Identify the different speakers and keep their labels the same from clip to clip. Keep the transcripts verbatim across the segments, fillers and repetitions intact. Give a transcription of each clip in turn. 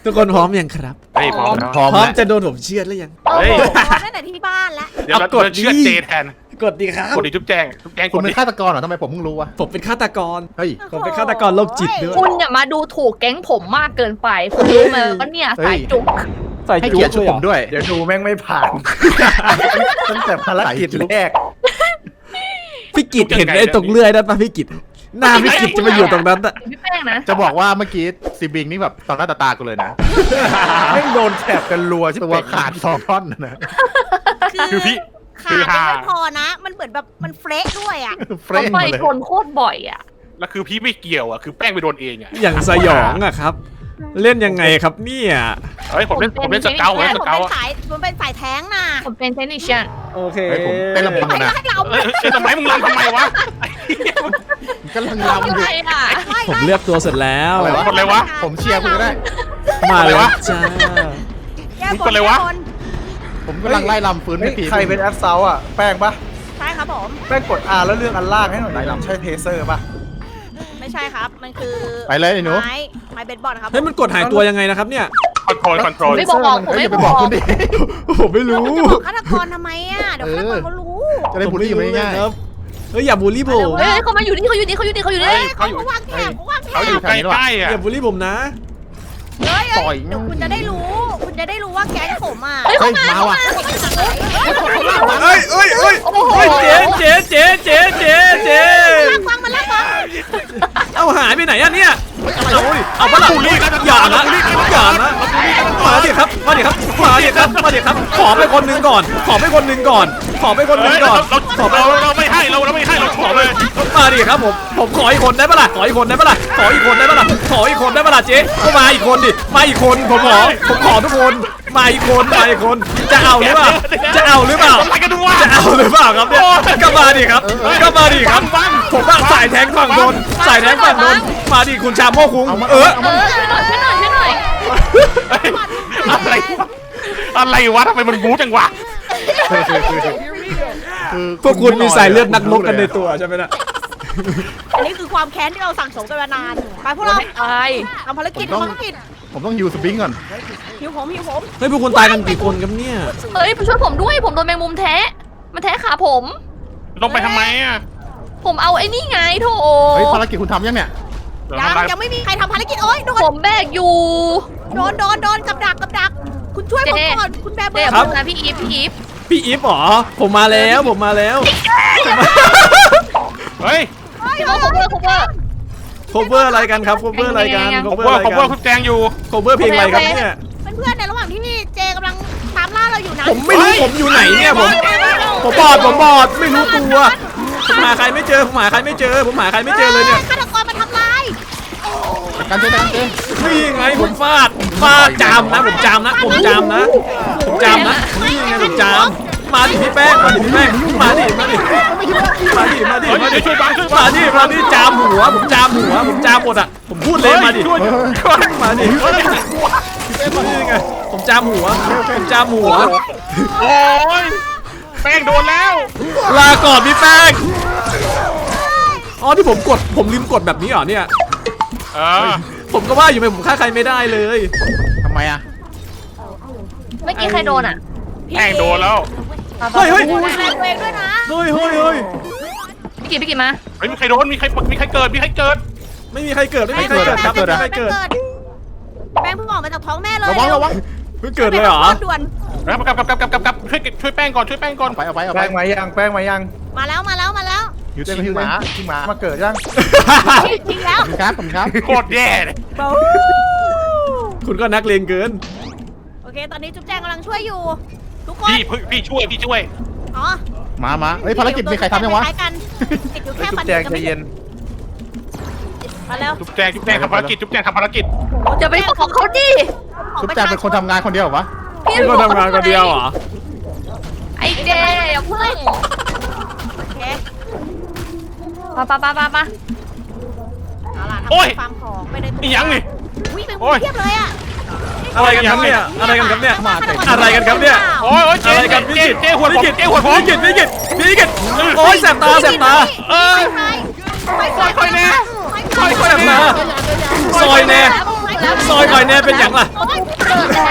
Speaker 1: ทุกคนพร้อมยังครับ
Speaker 2: เฮ้ยพร้อมแล้ว
Speaker 1: พร้อมจะโดนผมเชือดหรือยัง
Speaker 3: โอ้
Speaker 2: เฮ้ย
Speaker 3: โหพร้อมตั้งแต่ที่บ้านแล้ว
Speaker 2: เดี๋ยวเรา
Speaker 1: เอากด
Speaker 2: เชื่อ
Speaker 1: ดิ
Speaker 2: เจแทน
Speaker 1: กดดีครับ
Speaker 2: กดดิจุ๊บแจงจุ๊บแจงก
Speaker 4: คุณ
Speaker 2: ด
Speaker 4: เป็
Speaker 2: ดิ
Speaker 4: นฆาตกรเหรอทำไมผมเพิ่งรู้วะ
Speaker 1: ผมเป็นฆาตกร
Speaker 4: เฮ้ย
Speaker 1: ผมเป็นฆาตกรโรคจิตด้วย
Speaker 3: คุณอย่ามาดูถูกแก๊งผมมากเกินไปคุณรู้ไหมว่าเนี่ยสายจุก
Speaker 1: ใส่
Speaker 4: ให้
Speaker 1: จุ๊
Speaker 4: เกียรติชุด
Speaker 1: เลยเหร
Speaker 4: ผ
Speaker 1: อ
Speaker 4: มด้วย
Speaker 5: เดี๋ยวดูแม่งไม่ผ่าน ตั้งแต่ภารกิจแรก
Speaker 1: พี่กิจเห็นไอ้ตรงเลื่อยนั่นปะพี่กิจหน้าพี่กิจจะมาอยู่ตรงนั้นอะ
Speaker 3: พี่แป้งนะ
Speaker 4: จะบอกว่าเมื่อกี้ซีบิงนี่แบบต่อหน้าต่อตากูเลยนะ
Speaker 5: แม่งโดนแถบกันรัวใช่
Speaker 4: ตัว
Speaker 5: ไหม
Speaker 4: ขาดสองท่อนนะ
Speaker 2: คือพี่
Speaker 6: ขาดยังไม่พอนะ มันเหมือนแบบมันเฟรชด้วยอ่ะ
Speaker 4: เฟร
Speaker 3: ต้อน งไป
Speaker 4: มาเลย
Speaker 3: ชนโคตรบ่อยอ่ะ
Speaker 2: แล้วคือพี่ไม่เกี่ยวอ่ะคือแป้งไปโดนเองอ่ะ
Speaker 1: อย่างสยองอะครับ เล่นยังไงครับเนี่ย
Speaker 2: เฮ้ยผมเล่นผมเล่นสเกลผมเล่น
Speaker 6: ผ
Speaker 2: ส
Speaker 6: ม
Speaker 2: เกล
Speaker 6: เป็น
Speaker 2: อะ
Speaker 6: สายผมเป็นสายแท้งน่ะ
Speaker 3: ผมเป็นเทคนิชเชียน
Speaker 1: โอเค
Speaker 4: เฮ้ยผมเต้นลำพัง
Speaker 6: ไป
Speaker 4: นะ
Speaker 6: ให้เรา
Speaker 2: เอ้ยเอ้ยทำไมมึงรำทำไมวะ
Speaker 4: กำลัง
Speaker 3: ทำ
Speaker 4: ลำอ
Speaker 3: อะไร
Speaker 4: ยู่
Speaker 3: อ่ะ
Speaker 1: ผมเลือกตัวเสร็จแล้ว
Speaker 4: อะไรวะ
Speaker 2: กดเลยวะ
Speaker 4: ผมเชียร์คุณก็ได้
Speaker 1: มาเลยจ้า
Speaker 6: แก้
Speaker 2: มึง
Speaker 6: บ
Speaker 2: กดเลยวะ
Speaker 6: แก้บน
Speaker 4: ผมกำลังไล่ลำฟื้น
Speaker 5: เฮ้
Speaker 4: ไม่
Speaker 5: ย
Speaker 4: ผี
Speaker 5: ใครเป็นแอปเซาอ่ะ แป้งปะ
Speaker 6: ใช่ครับผม
Speaker 5: แป้งกด R แล้วเลือกอันล่างให้หน่อยดิใช่เทเซอร์ปะ
Speaker 6: ไม่ใช่ครับ มันคือ
Speaker 4: ไปเลยไอ้หนู
Speaker 6: ไม้ไม้เบสบอลครับ
Speaker 1: เฮ้ยมันกดหายตัวยังไงนะครับเนี่ย
Speaker 2: คอนโทรลคอนโทรล
Speaker 3: ไม่บอกผม
Speaker 4: เฮ้ย
Speaker 3: ไม่
Speaker 4: อย่าไป
Speaker 3: บบ อ
Speaker 4: อก กคุณดิ
Speaker 1: ผมไม่รู้
Speaker 6: เราจะบอกฆาตกรทำไมอ่ะ เดี๋ยวฆาตกรเขารู้
Speaker 4: จะได้บูลลี่มันง่าย
Speaker 1: ครับเฮ้ยอย่าบูลลี่ผม
Speaker 3: เฮ้ยเขามาอยู่นี่เขาอยู่นี่เขาอยู่นี่เขาอยู่นี่
Speaker 2: เฮ้ย
Speaker 6: เขา
Speaker 2: เขาอยู่
Speaker 6: วางแถบเขาวางแถ
Speaker 2: เขาอยู่
Speaker 6: บ
Speaker 2: ใกล้ๆอ่ะ
Speaker 1: อย่าบูลลี่ผมนะ
Speaker 6: เฮ้ย
Speaker 4: ต่อย
Speaker 6: เดี๋ยวคุณจะได้รู้ คุณจะได้รู้ว่าแก๊งผมอ่ะ
Speaker 3: เฮ้ย
Speaker 4: เฮ้
Speaker 3: เขา
Speaker 4: ย
Speaker 3: มา
Speaker 4: มาว่ะ
Speaker 1: เอ้ยเอ้ยเอ้ย
Speaker 3: โอ้โห
Speaker 1: เฮ้ยเจ๊เจ๊เจ๊เจ๊เจ๊เจ๊
Speaker 6: ลากฟังมาลากฟัง
Speaker 1: เอาหายไปไหนอะเนี่ยเอาดิเอาปะล่ะ
Speaker 2: บูลลี่กัน
Speaker 1: อย่านะอย่านะมาดิครับมาดิครับมาดิครับมาดิครับขอไปคนหนึ่งก่อน ขอไปคนหนึ่งก่อน ขอไปคนหนึ่ง
Speaker 2: เฮ้ย
Speaker 1: ก่
Speaker 2: เรา
Speaker 1: อน
Speaker 2: เรา
Speaker 1: ขอไป
Speaker 2: เราเราไม่ให้เราเราไม่ให้เราขอเลย
Speaker 1: มาดิครับผมผมขออีกคนได้ปะล่ะขออีกคนได้ปะล่ะขออีกคนได้ปะล่ะขออีกคนได้ปะล่ะเจ๊ก็มาอีกคนดิมาอีกคนผมขอผมขอทุกคนมาอีกคนมาอีกคนจะเอาหรือเปล่าจะเอาหรือเปล่า
Speaker 2: อะไรกันดูวะ
Speaker 1: จะเอาหรือเปล่าครับเนี่ยก็มาดิครับก็มาดิครับผมว่าสายแทงฝั่งโดนสายแทงฝั่งโดนมาดิคุณชาโมคุงเออ
Speaker 3: เออช่วยหน่อยช่วยหน่อยช่วยหน่อย
Speaker 2: อะไรวะอะไรวะทำไมมันบู๊จังวะ
Speaker 4: คือ
Speaker 1: พวกคุณมีสายเลือดนักรบกันในตัวใช่ไหมนะ
Speaker 6: อันนี้คือความแค้นที่เราสั่งสมกันมานาน ไปพวกเรา
Speaker 3: ไม่ตาย
Speaker 6: ทำภารกิจทำภารกิจ
Speaker 4: ผมต้องยูสปริงก่อน
Speaker 6: หิวผมหิวผม
Speaker 1: เฮ้ยพวกคุณตายกันกี่คนครับเนี่ย
Speaker 3: เฮ้ยช่วยผมด้วยผมโดนแมงมุมแทะมันแทะขาผม
Speaker 2: ลงไปทำไมอ่ะ
Speaker 3: ผมเอาไอ้นี่ไงโถ
Speaker 4: เฮ้ยภารกิจคุณทำยังเนี่ย
Speaker 6: ยังยังไม่มีใครทำภารกิจโอ้ยโดน
Speaker 3: ผมแบกอยู่
Speaker 6: โดนโดนโดนกับดักกับดัก คุณช่วยผมก่อนคุณแบมเบอ
Speaker 3: เดี๋ยว
Speaker 6: ร์
Speaker 3: ผมนะพี่อีฟพี่อีฟ
Speaker 1: พี่อีฟเหรอผมมาแล้วผมมาแล้ว
Speaker 2: เฮ้ย
Speaker 3: พี่โมโคเวอร์โคเวอร์
Speaker 1: โคเวอร์อะไรกันครับโคเวอร์อะไรกัน
Speaker 2: ผม
Speaker 1: cover
Speaker 2: ว่า
Speaker 1: อะไร
Speaker 2: ผม
Speaker 1: กั
Speaker 2: ว่าน คุณแจงอยู่
Speaker 1: โคเวอร์เพลงอะไรครับเนี่ย
Speaker 6: เพื่อนๆในระหว่างที่เจกำลังตามล่าเราอยู่นะ
Speaker 1: ผมไม่รู้ผมอยู่ไหนเนี่ยผมผมบอดผมบอดไม่รู้ตัวผมหาใครไม่เจอผมหาใครไม่เจอผมหาใครไม่เจอเลยเนี่ย
Speaker 6: ฆาตกรมาทำลาย
Speaker 4: การเจอกันเจอ
Speaker 1: นี่ไงผมฟาดฟาดจามนะผมจามนะผมจามนะผมจามนะนี่ไงผมจามมาดิพี่แป้งมาดิพี่แป้งมาดิมาดิมาดิมาดิ
Speaker 2: เฮ้ย
Speaker 1: มาดิ
Speaker 2: ช่วยบังช่วยบั
Speaker 1: มาง ดิมาดิจามหัวผมจามหัวผมจามหมดอ่ะผมพูดเลยมาดิ
Speaker 2: ช่วย
Speaker 1: มาดินี่ไงผมจามหัวผมจามหัว
Speaker 2: โอ้ยแป้งโดนแล้ว
Speaker 1: ลาก่อนพี่แป้งอ๋อที่ผมกดผมลืมกดแบบนี้เหรอเนี่ย
Speaker 2: เออ
Speaker 1: ผมก็ว่าอยู่ไปผมฆ่าใครไม่ได้เลย
Speaker 4: ทำไมอ่ะ
Speaker 3: เมื่อกี้ใครโดนอ่ะ
Speaker 2: แป้งโดนแล้ว
Speaker 1: เฮ้ยเฮ้ย
Speaker 6: ดูแลตัวเองด้วยนะ
Speaker 1: เฮ้ยเฮ้ยเฮ้ย
Speaker 3: พี่กิตพี่กิตมา
Speaker 2: เฮ้ยมีใครโดนมีใครมีใครเกิดมีใครเกิด
Speaker 1: ไม่มีใครเกิดไม่มีใครเกิดครับไม่มีใครเกิด
Speaker 6: แป้งเพิ่งออกมาจากท้องแม่เลย
Speaker 4: ระวังระวัง
Speaker 1: เพิ่งเกิดเลยเหรอ
Speaker 6: ด่วน
Speaker 2: แล้วกลับกลับกลับกลับกลับกลับช่วยช่วยแป้งก่อนช่วยแป้งก่อน
Speaker 4: เอาไปเอาไปเอาไป
Speaker 5: แป้งมายัง แป้งมายัง
Speaker 6: มาแล้วมาแล้วมาแล้ว
Speaker 4: ยูเต้น
Speaker 5: ชิ
Speaker 4: ฮิ
Speaker 5: ง
Speaker 4: ว
Speaker 5: ห
Speaker 4: เต้
Speaker 5: มาน ชิงหมามาเกิดยัง
Speaker 6: ทิ้งแล้ว
Speaker 4: ผมครับผมครับ
Speaker 2: โคตรแย่เลย
Speaker 1: คุณก็นักเลงเกิน
Speaker 6: โอเคตอนนี้จุ๊บแจงกำลังช่วยอยู่ ทุกคน
Speaker 2: พี่พี่ช่วยพี่ช่วย
Speaker 6: อ๋อ
Speaker 4: มามาเฮ้ยภารกิจมีใครทำยังวะ
Speaker 6: คล้ายๆกันติดอยู่
Speaker 5: ไอ้
Speaker 6: แค่
Speaker 5: จุ๊
Speaker 6: ฟั
Speaker 5: บ
Speaker 6: น
Speaker 5: แจงใจเย็น
Speaker 6: มาแล้ว
Speaker 2: จุ๊บแจงจุ๊บแจงทำภารกิจจุ๊บแจงทำภารกิจ
Speaker 3: จะไปบอกเขาดิ
Speaker 4: ชุบแจงเป็นคนทำงานคนเดียวเหรอวะ
Speaker 3: พี่
Speaker 1: คุณก็ทำงานคนเดียวเหรอ
Speaker 3: ไอ้เจอย่าเพิ่ง
Speaker 6: โอเค
Speaker 3: ปะปะปะปะปะ
Speaker 6: เอาล่ะทำฟาร์มของไปในตัว
Speaker 2: อีหยังนี่
Speaker 6: อุ้ยเป็นคนเทียบเลยอ่ะ
Speaker 1: อะไรกันครับเนี่ยอะไรกันครับเนี่ยอะไรกันครับเนี่ย
Speaker 2: โอ้ยโอ้ยเจ๊
Speaker 1: อะไรกันพี่
Speaker 2: เจ๊
Speaker 1: กิต
Speaker 2: เจ๊หัวผม
Speaker 1: พี่กิต
Speaker 2: เจ๊หัวผม
Speaker 1: พี่กิตพี่กิตพี่กิตโอ้ยแสบตาแสบตา
Speaker 2: เออ
Speaker 6: ไฟไฟไฟไฟ
Speaker 2: ค่อยๆนะ
Speaker 6: ไฟไฟ
Speaker 2: ซอย
Speaker 1: แซ่บมาซอยแน่ซอยก่อยแน่เป็นอย่างล่ะ
Speaker 3: โอ๊ยเกิดแล้ว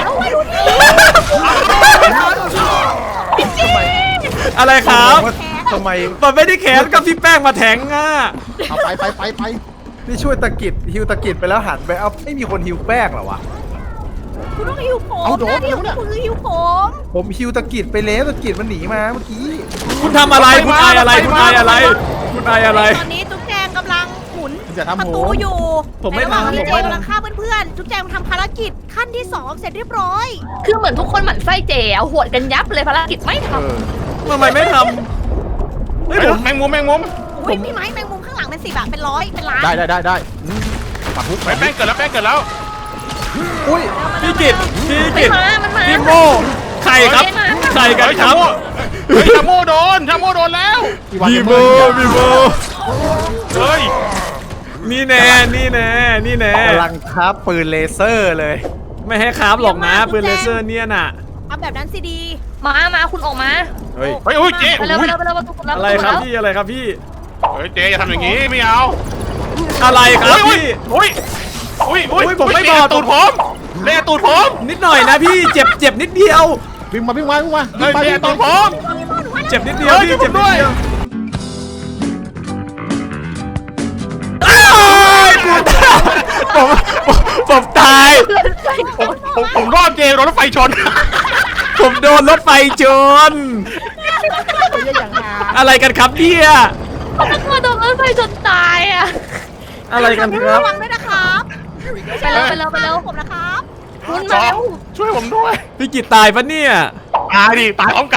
Speaker 1: อะไรครับ
Speaker 5: ทำไม
Speaker 1: มันไม่ได้แขนกับพี่แป้งมาแทงอ่ะ
Speaker 4: เอาไปไปไปไป
Speaker 5: นี่ช่วยตะกิดฮิวตะกิดไปแล้วหันไปเอาไม่มีคนฮิวแป้งเหรอวะ
Speaker 6: คุณต้องหิวผม
Speaker 4: เอาโดน
Speaker 6: นะ
Speaker 4: เดี๋
Speaker 6: หิ
Speaker 4: ยว วเนี่ย
Speaker 6: คุณคือหิวผม
Speaker 5: ผมฮิวตะกิดไปแล้วตะกิดมันหนีมาเมื่อกี้
Speaker 1: คุณทำอะไรคุณอายอะไรคุณอายอะไร คุณอายอะไร
Speaker 6: ตอนนี้จุ๊บแจงกำลังหมุน
Speaker 4: อย่าทำ
Speaker 6: ประ
Speaker 4: โห
Speaker 6: ตูอยู่
Speaker 1: ผมไม่
Speaker 6: ในระหว่าง
Speaker 1: ทำ
Speaker 6: ที่
Speaker 1: ผม
Speaker 6: เจ
Speaker 1: ไม่ทำ
Speaker 6: กำลังฆ่าเพื่อนๆจุ๊บแจงทำภารกิจขั้นที่สองเสร็จเรียบร้อย
Speaker 3: คือเหมือนทุกคนหมั่นไส้เจ๋เอาหวดกันยับเลยภารกิจไม่ท
Speaker 5: เออ
Speaker 1: ทำไมไม่ทำเฮ้ย
Speaker 2: เฮ้ย
Speaker 1: ผม
Speaker 2: แมงมุมแมงมุม
Speaker 6: อุ้ยพี่ไม้แมงมุมข้างหลังเป็นสิบอะเป็นร้อยเป็นล้าน
Speaker 4: ได้ได้ได้ได้อืมปักฮุก
Speaker 2: แป้งเกิดแล้วแป้งเกิดแล้ว
Speaker 5: อุ้ย
Speaker 1: พี่กิตพี่
Speaker 3: ำ
Speaker 1: กิต
Speaker 3: มันมามันมา
Speaker 1: พี่โมใครครับใครกัน
Speaker 2: เฮ้ย
Speaker 1: ค
Speaker 2: ชา
Speaker 1: รับ
Speaker 2: โมเฮ้ยชาโมโดนชาโมโดนแล้ว
Speaker 1: พี่โมพี่โม
Speaker 2: เฮ้ย
Speaker 1: นี่แน่นี่แน่นี่แน่
Speaker 5: กำลังทับปืนเลเซอร์เลย
Speaker 1: ไม่ให้ครับหรอกนะปืนเลเซอร์เนี่ยน่ะ
Speaker 6: เอาแบบนั้นสิดี
Speaker 3: มามาคุณออกมา
Speaker 1: เฮ้ย
Speaker 2: เฮ้ยโอ้ยเจ๊
Speaker 3: ไปเร็วไปเร็วไปเร็วประตูแล้ว
Speaker 1: อะไรครับพี่อะไรครับพี่
Speaker 2: เฮ้ยเจ๊อย่าทำอย่างนี้ไม่เอา
Speaker 1: อะไรครับพี่
Speaker 2: อุ้ยอุ้ยอุ้ย
Speaker 1: อุ้ยผมไม่
Speaker 2: เละ
Speaker 1: บอก
Speaker 2: ตูดผมเละตูดผม
Speaker 1: นิดหน่อยนะพี่เจ็บเจ็บนิดเดียว
Speaker 4: วิ่งมาวิ่งมาวิ่งมา
Speaker 2: เฮ้ย
Speaker 4: วิ่ง
Speaker 2: เละ
Speaker 4: มา
Speaker 2: ตูดผม
Speaker 1: เจ็บนิดเดียว
Speaker 2: เฮ้ย
Speaker 1: พี่
Speaker 2: ช่วยผม
Speaker 1: เจ็บนิด
Speaker 2: ด้วย
Speaker 1: เดียวอ้ายผมผมผมตาย
Speaker 2: ผมผมผมรอดเจรถไฟชน
Speaker 1: ผมโดนรถไฟชนอะไรกันครับเนี่ย
Speaker 3: เขาเป็นคนโดนรถไฟจนตายอ่ะ
Speaker 1: อะไรกันครับ
Speaker 6: ระวังด้วยนะครับไม่ใช่
Speaker 3: ไปเร็วไปเร็วไปเร็ว
Speaker 6: ผมนะครับ
Speaker 3: คุณ
Speaker 2: จ
Speaker 3: มา
Speaker 2: อ
Speaker 3: เร็ว
Speaker 2: ช่วยผมด้วย
Speaker 1: พี่กิตตายปะเนี่ย
Speaker 2: ตายดิตายพร้อมกัน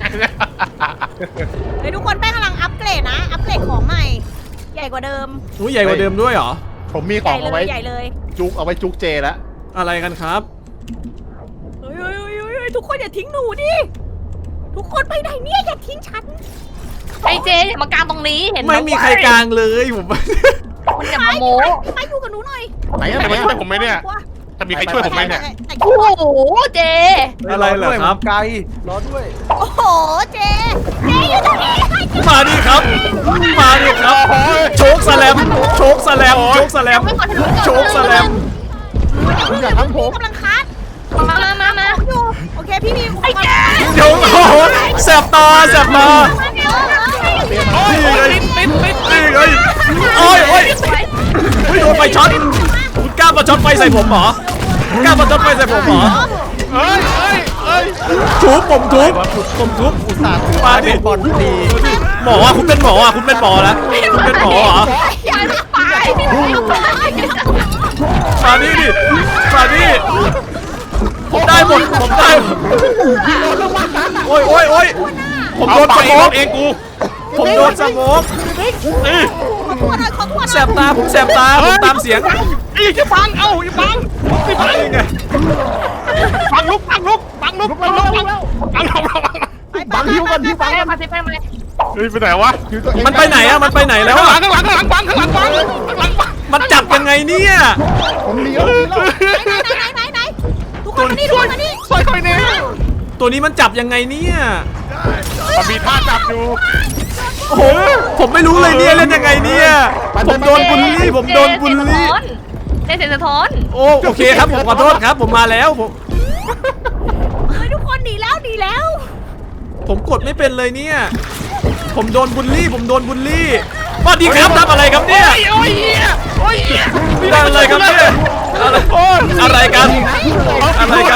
Speaker 6: เฮ้ยทุกคนแป้งกำลังอัปเกรดนะ อัปเกรดของใหม่ ใหญ่กว่าเดิม
Speaker 1: อุ้ยใหญ่กว่าเดิมด้วยเหรอ
Speaker 4: ผมมีข
Speaker 6: ให
Speaker 4: อ
Speaker 6: ญ่
Speaker 4: ง
Speaker 6: เล
Speaker 4: เอาไว้
Speaker 6: ยใหญ่เลย
Speaker 4: จุกเอาไว้จุกเจแล้ว
Speaker 1: อะไรกันครับ
Speaker 6: เฮ้ยเฮ้ยเฮ้ยเฮ้ยทุกคนอย่าทิ้งหนูดิ ทุกคนไปไหนเนี่ยอย่าทิ้งฉัน
Speaker 3: ไอเจอย่ามากางตรงนี้เห็นห
Speaker 1: ไม่มีใครกลางเลยผม
Speaker 3: มันอย่ามาโม้
Speaker 6: ไปอยู่กับหนูหน่อย
Speaker 4: ไหนอะ
Speaker 2: จะ
Speaker 4: ไหน
Speaker 2: มาช่วย
Speaker 4: อะ
Speaker 2: ผมไหมเนี่ยจะมีใครช่วยผมไหมเนี่ย
Speaker 6: แต่
Speaker 3: โอ้โหเจ
Speaker 1: อะไรเหรอครับ
Speaker 5: ไกลรอด้วย
Speaker 6: โอ้โหเจ เจอยู่ตรงนี้
Speaker 1: มาดิครับ มาดิครับ โชคสแลม โชคสแลม โชคสแลม
Speaker 3: ไม่กดถนน
Speaker 1: โชคสแลม
Speaker 4: คุณอย่าทำผม
Speaker 6: กำลังคัด
Speaker 3: มามามามา
Speaker 6: อยู่ โอเคพี่มีไอ้แก
Speaker 1: เดี๋ยวโอ้โหแสบตาแสบตา
Speaker 2: โอ้ย
Speaker 1: นี่ไง
Speaker 2: ติดติดติด
Speaker 1: นี่ไงโอ้ยโอ้ยเฮ้ยโดนไฟช็อตคุณกล้ามาช็อตไฟใส่ผมเหรอคุณกล้ามาช็อตไฟใส่ผมเหรอ
Speaker 2: เฮ้ยเฮ้ยเฮ้ย
Speaker 1: ทุบผมทุบผมทุบ
Speaker 5: อุตส่าห์ถือ
Speaker 1: มาดิ
Speaker 5: บอลดี
Speaker 1: หมออ่ะคุณเป็นหมออ่ะคุณเป็นหมอแล้วคุณเป็นหมอเหรอ
Speaker 3: อย่าไปพี่ไม่ไป
Speaker 1: มาดิดิมาดิผมได้หมดผมได้หมดโอ้ยโอ้ยโอ้ยผม
Speaker 2: เอา
Speaker 1: โดน
Speaker 2: ไป
Speaker 1: สโม
Speaker 2: ร
Speaker 1: ก
Speaker 2: ถเองกู
Speaker 1: ผมโดนสโมก
Speaker 2: เอ้ย
Speaker 6: ขอโทษหน่อยขอโทษหน่อย
Speaker 1: แสบตาผมแสบตาผมตามเสียง
Speaker 2: อีกจะฟังเอ้าอย่าฟังอย่าฟัง
Speaker 1: นี่ไง
Speaker 2: ฟังลุกฟังลุกฟังลุกฟังลุกฟังลุกฟังลุกฟัง
Speaker 4: บังฮิวก่อนฮิว
Speaker 3: ไป
Speaker 4: บัง
Speaker 3: มาสิไปมา
Speaker 2: เฮ้ยไปไหนวะ
Speaker 4: ฮิวตัวเอง
Speaker 1: มันไปไหนอะมันไปไหนแล้ว
Speaker 2: ข้างหลั
Speaker 1: อะ
Speaker 2: งข้างหลังข้างหลังฟังข้างหลังฟังข้างหลังฟัง
Speaker 1: มันจับยังไงเนี่ย
Speaker 4: ผมเลี้ยวผมเลี้ยว
Speaker 6: ไหนไหนไหนไหนทุกคนมานี่ทุกคนมานี่
Speaker 2: ซอยคอยเนี่ย
Speaker 1: ตัวนี้มันจับยังไงเนี่ย
Speaker 2: มันมีท่าจับอยู่
Speaker 1: โอ้โหผมไม่รู้เลยเนี่ยเล่นยังไงเนี่ยผมโดนบุลลี่ผมโดนบุลลี่
Speaker 3: เจเสียงสะท้อน
Speaker 1: โอ้โอเคครับผมขอโทษครับ ผมมาแล้วผม
Speaker 6: เฮ้ยทุกคนหนีแล้วหนีแล้ว
Speaker 1: ผมกดไม่เป็นเลยเนี่ย ผมโดนบุลลี่ ผมโดนบุลลี่สวัสดีครับทำอะไรครับเนี่ย
Speaker 2: โอ้ยเหี้ยโอ้ยเหี้ย
Speaker 1: ทำอะไรครับเนี่ยอะไรอะไรกัน อะไรกัน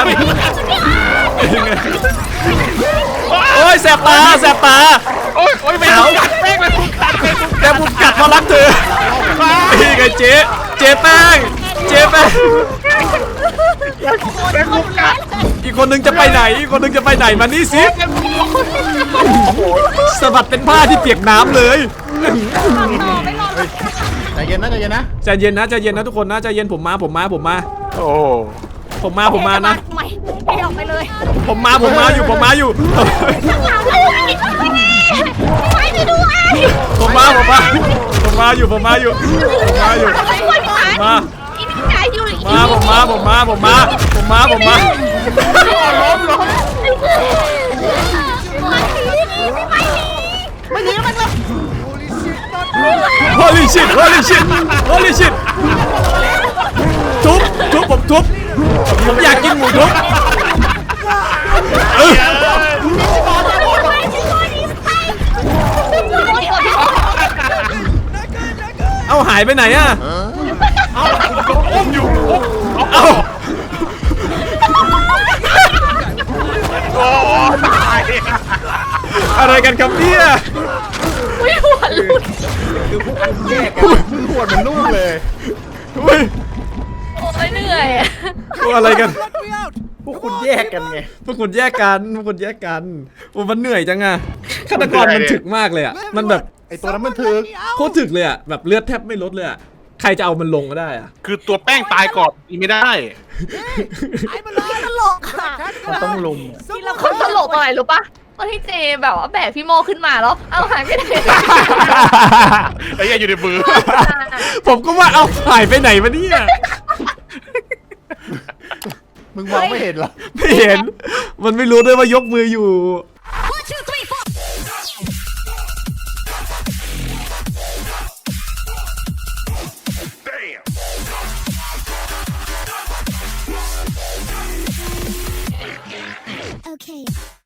Speaker 1: โอ้ยแสบตาแสบตา
Speaker 2: โอ้ยโอ้ยไม่เอากัดแป้งเลยคุณกัดเลยคุณ
Speaker 1: แต่ผมกัดเพราะรักเธอนี่ไงเจ๊เจ๊แป้งเจ๊แป้ง
Speaker 2: แป้งคุณกัด
Speaker 1: อีกคนนึงจะไปไหนอีกคนนึงจะไปไหนมานี่สิสะบัดเป็นผ้าที่เปียกน้ำเลย
Speaker 4: ใจเย็นนะใจเย็นนะ
Speaker 1: ใจเย็นนะใจเย็นนะทุกคนนะใจเย็นผมมาผมมาผมมา
Speaker 2: โอ้
Speaker 1: ผมมาผมมานะ
Speaker 6: ทำไมให้ออกไปเลย
Speaker 1: ผมมาผมมาอยู่ผมมาอยู่
Speaker 6: ไปไปดูไอ้
Speaker 1: ผมมาผมมาผมมาอยู่ผมมาอยู่ผมมาอยู่
Speaker 3: ไปคนขาย
Speaker 1: มา
Speaker 3: อีนี่ขายอยู่อี
Speaker 1: มาผมมาผมมาผมมาผมมาผมมา
Speaker 2: ล้มล้ม
Speaker 6: ไม่หนีมันเลย
Speaker 1: holy shit holy shit holy shit ทุบทุบผมทุบผมอยากกินหมูทุบเออเอาหายไปไหนอะ
Speaker 2: อุ้มอยู่อุ้ม
Speaker 1: เอา
Speaker 2: โอ้ตาย
Speaker 1: อะไรกันครับเนี่ย
Speaker 3: อุ้ยหัวหลุด
Speaker 5: คือพวกคุณแยกกัน
Speaker 4: มือขวดเหมือนลูกเลย
Speaker 1: เฮ้ย
Speaker 3: โอ้ยเหนื่อยอะ
Speaker 1: ตัวอะไรกัน
Speaker 5: พวกคุณแยกกันไง
Speaker 1: พวกคุณแยกกันพวกคุณแยกกันโอ้มันเหนื่อยจังอะฆาตกรมันถึกมากเลยอะมันแบบ
Speaker 4: ไอตัวนั้นมันถึก
Speaker 1: โคตรถึกเลยอะแบบเลือดแทบไม่ลดเลยอะใครจะเอามันลงก็ได้อะ
Speaker 2: คือตัวแป้งตายก่อนอีไม่ได้
Speaker 6: ไอ้มันเลยตลกค่ะ
Speaker 5: มันต้องลุม
Speaker 6: ที่เรา
Speaker 3: คนตลกอะไรรู้ปะตอนที่เจแบบว่าแบกพี่โมขึ้นมาแล้ว เอาหายไปไหน
Speaker 2: ไอ้เหี้ยอยู่ในมือ
Speaker 1: ผมก็ว่าเอาหายไปไหนวะเนี่ย
Speaker 4: มึงมองไม่เห็นเหรอ
Speaker 1: ไม่เห็น มันไม่รู้ด้วยว่ายกมืออยู่
Speaker 7: Okay.